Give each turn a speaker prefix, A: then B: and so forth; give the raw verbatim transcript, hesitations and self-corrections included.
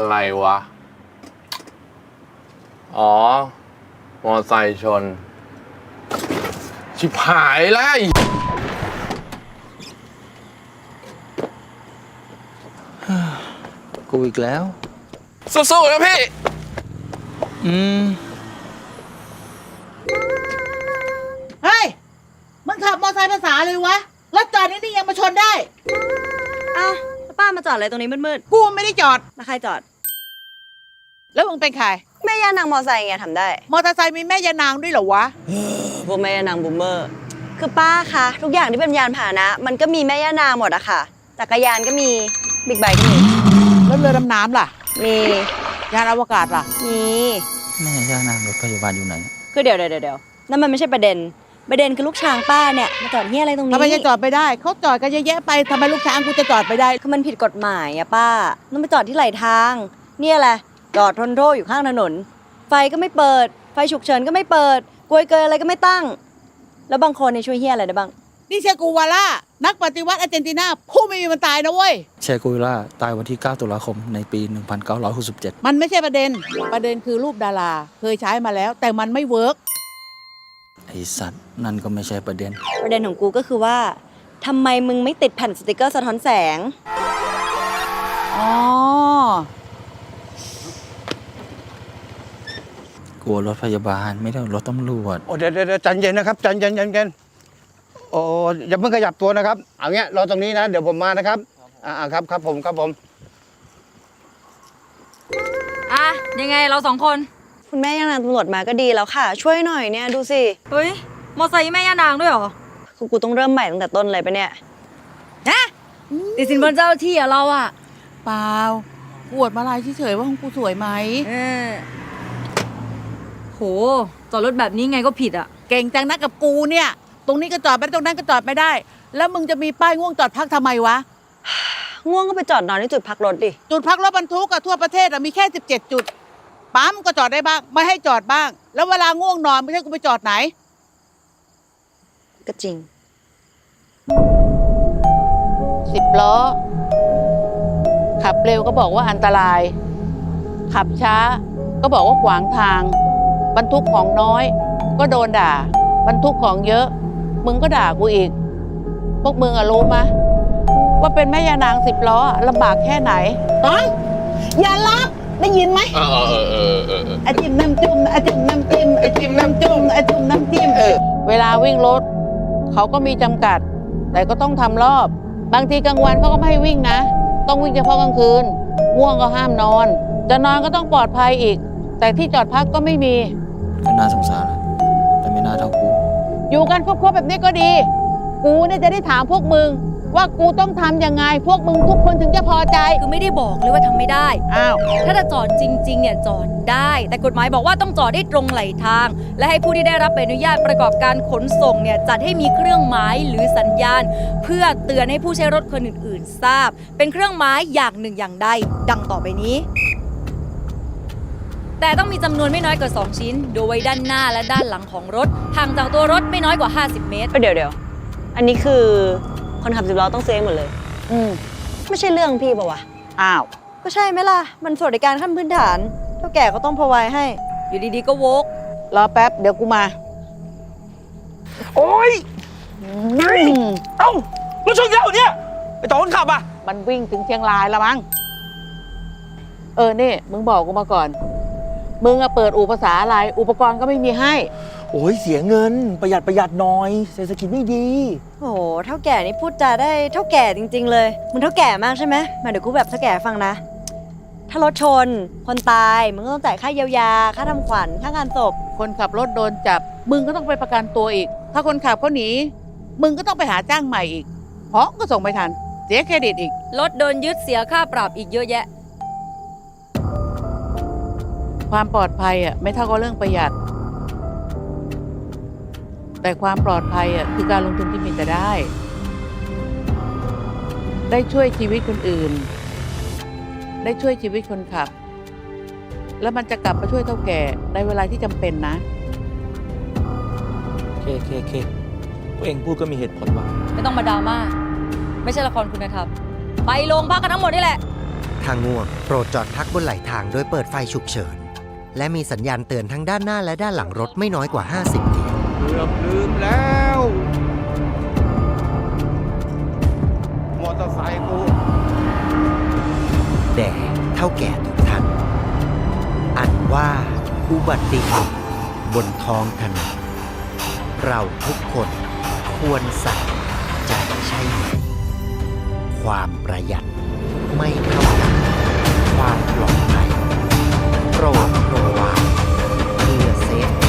A: อะไรวะ อ๋อ มอไซค์ชน ชิบหายแล้ว
B: กูอีกแล้ว
A: สู้ๆนะพี่
B: อืม
C: เฮ้ย มึงขับมอเตอร์ไซค์ภาษาเลยวะ รถจอดนี่นี่ยังมาชนได้
D: อ้าวแล้วป้ามาจอดอะไรตรงนี้มืด
C: กูไม่ได้จอด
D: ๆแล้วใครจอด
C: แล้วมึงเป็นใคร
D: แม่ย่านางมอไซค์ไงทำได้
C: มอเตอร์ไซค์มีแม่ยานางด้วยเหรอวะ
D: พวกแม่ย่านางบูมเมอร์ คือป้าคะทุกอย่างที่เป็นยานพาหนะ มันก็มีแม่ย่านางหมดอะค่ะ จักรยานก็มี บิ๊กไบค์ก็มี
C: แล้วเรือดำน้ำล่ะ
D: มี
C: ยานอวกาศล่ะ
D: มี
B: แม่ย่านางรถพยาบาลอยู่ไหน
D: คือเดี๋ยวเดี๋ยวเดี๋ยวนั่นมันไม่ใช่ประเด็น ประเด็นคือลูกช้างป้าเนี่ยมาจอดเฮียอะไรตรงนี้
C: ทำไมจะจอดไปได้ เขาจอดกันเยอะแยะไปทำไมลูกช้างกูจะจอดไปได้
D: คือมันผิดกฎหมายอะป้าต้องไปจอดที่ไหลทาง เนี่ยแหละจอดทนโทษอยู่ข้างถนน ไฟก็ไม่เปิด ไฟฉุกเฉินก็ไม่เปิดกลวยเกยอะไรก็ไม่ตั้ง แล้วบางคนเนี่ยช่วยเฮียอะไรได้บ้าง
C: นี่เชกูวาล่า นักปฏิวัติอาร์เจนตินาผู้ไม่มีวันตายนะเว้ย
B: เชกุยล่าตายวันที่ เก้าตุลาคมในปี หนึ่งพันเก้าร้อยหกสิบเจ็ด
C: มันไม่ใช่ประเด็น ประเด็นคือรูปดารา เคยใช้มาแล้ว แต่มันไม่เวิร์ก
B: ไอสัตว์นั่นก็ไม่ใช่ประเด็น
D: ประเด็นของกูก็คือว่าทำไมมึงไม่ติดแผ่นสติกเกอร์สะท้อนแสง
C: อ๋อ
B: กลัวรถพยาบาลไม่ได้รถตำรวจ
E: โอ้เดี๋ยวเดี๋ยวใจเย็นนะครับใจเย็นใจเย็นโอ้อย่าเพิ่งขยับตัวนะครับเอาเงี้ยรอตรงนี้นะเดี๋ยวผมมานะครับอ่าครับครับผมครับผม
F: อ่ะยังไงเราสองคน
D: คุณแม่ย่านางตำรวจมาก็ดีแล้วค่ะ ช่วยหน่อยเนี่ยดูสิ
F: เฮ้ย มอไซค์แม่ย่านางด้วยเหรอ
D: คือกูต้องเริ่มใหม่ตั้งแต่ต้นเลยปะเนี่ย
F: นะติดสินบนเจ้าที่อะเราอะ
C: เปล่าปวดมาลายเฉยๆว่าของกูสวยไหม
F: เออโหจอดรถแบบนี้ไงก็ผิดอะ
C: เก่งจังนะกับกูเนี่ย ตรงนี้ก็จอดไม่ได้ตรงนั้นก็จอดไม่ได้ แล้วมึงจะมีป้ายง่วงจอดพักทำไมวะ
D: ง่วงก็ไปจอดนอนที่จุดพักรถดิ
C: จุดพักรถบรรทุกอะทั่วประเทศอะมีแค่สิบเจ็ดจุด ปั๊มก็จอดได้บ้าง ไม่ให้จอดบ้าง แล้วเวลาง่วงนอนไม่ใช่กูไปจอดไหน
D: ก็จริง
C: สิบล้อ ขับเร็วก็บอกว่าอันตราย ขับช้า ก็บอกว่าขวางทาง บรรทุกของน้อย ก็โดนด่า บรรทุกของเยอะ มึงก็ด่ากูอีก พวกมึงอะรู้มะว่าเป็นแม่ยานางสิบล้อลำบากแค่ไหนต้องอย่ารับได้ยินไหม
A: เออเออเออเออเออ
C: ไอจิ้มน้ำจุ่มไอจิ้มน้ำจิ้มไอจิ้มน้ำจุ่มไอจิ้มน้ำจิ้มเออเวลาวิ่งรถเขาก็มีจำกัด แต่ก็ต้องทำรอบ บางทีกลางวันเขาก็ไม่ให้วิ่งนะ ต้องวิ่งเฉพาะกลางคืนง่วงก็ห้ามนอน จะนอนก็ต้องปลอดภัยอีก แต่ที่จอดพักก็ไม่มี
B: ก็น่าสงสารนะแต่ไม่น่าเท่ากู
C: อยู่กันครบๆแบบนี้ก็ดี กูเนี่ยจะได้ถามพวกมึง ว่ากูต้องทำยังไง พวกมึงทุกคนถึงจะพอใจ
F: คือไม่ได้บอกเลยว่าทำไม่ได้
C: อ้าว
F: ถ้าจะจอดจริงๆเนี่ยจอดได้ แต่กฎหมายบอกว่าต้องจอดได้ตรงไหลทาง และให้ผู้ที่ได้รับใบอนุญาตประกอบการขนส่งเนี่ยจัดให้มีเครื่องหมายหรือสัญญาณ เพื่อเตือนให้ผู้ใช้รถคนอื่นๆ ทราบ เป็นเครื่องหมายอย่างหนึ่งอย่างใดดังต่อไปนี้ แต่ต้องมีจำนวนไม่น้อยกว่าสองชิ้น โดยด้านหน้าและด้านหลังของรถห่างจากตัวรถไม่น้อยกว่าห้าสิบเมตร
D: เดี๋ยวเดี๋ยวอันนี้คือคนขับสิบล้อต้องซื้อเองหมดเลย
C: อืม
D: ไม่ใช่เรื่องพี่ปะวะ
C: อ้าว
D: ก็ใช่ไหมล่ะ มันสวัสดิการขั้นพื้นฐานเท่าแก่ก็ต้องพอไว้ให้
F: อยู่ดีๆก็โวก
C: รอแป๊บ เดี๋ยวกูมา
E: โอ้ย
C: อืม
E: เอ้าแล้วช่วงเดียวเนี่ยไอต่อคนขับอ่ะ
C: มันวิ่งถึงเชียงรายแล้วมั้ง เออนี่มึงบอกกูมาก่อน มึงอะเปิดอู่ภาษาอะไร อุปกรณ์ก็ไม่มีให้
G: โอ้ยเสียเงินประหยัดประหยัดหน่อย เศรษฐกิจไม่ดี
D: โอ้โหเท่าแก่นี่พูดจาได้เท่าแก่จริง ๆ เลยมึงเท่าแก่มากใช่ไหมมาเดี๋ยวกูแบบเท่าแก่ฟังนะ ถ้ารถชน คนตายมึงก็ต้องจ่ายค่าเยียวยา ค่าทำขวัญ ค่างานศพ
C: คนขับรถโดนจับ มึงก็ต้องไปประกันตัวอีก ถ้าคนขับเขาหนี มึงก็ต้องไปหาจ้างใหม่อีก เพราะก็ส่งไม่ทัน เสียเครดิตอีก
F: รถโดนยึดเสียค่าปรับอีกเยอะแยะ
C: ความปลอดภัยอ่ะไม่เท่ากับเรื่องประหยัด แต่ความปลอดภัยอ่ะคือการลงทุนที่มีแต่ได้ ได้ช่วยชีวิตคนอื่น ได้ช่วยชีวิตคนขับ แล้วมันจะกลับมาช่วยเท่าแก่ในเวลาที่จำเป็นนะ
G: เคเคเคพวกเองพูดก็มีเหตุผลว่ะ
F: ไม่ต้องมาดราม่า ไม่ใช่ละครคุณธรรม ไปโรงพักกันทั้งหมดนี่แหละ
C: ไ
H: ถ้าง่วงโปรดจอดพักบนไหลทางโดยเปิดไฟฉุกเฉินและมีสัญญาณเตือนทั้งด้านหน้าและด้านหลังรถไม่น้อยกว่า ห้าสิบเหรียญ
E: เกือบลืมแล้ว มอเตอร์ไซค์กู
H: แด่เท่าแก่ทุกท่าน อันว่าอุบัติเหตุบนท้องถนนเราทุกคนควรใส่ใจใช่ไหม ความประหยัดไม่เท่ากันความปลอดภัยโปรดระวังเพื่อเซฟ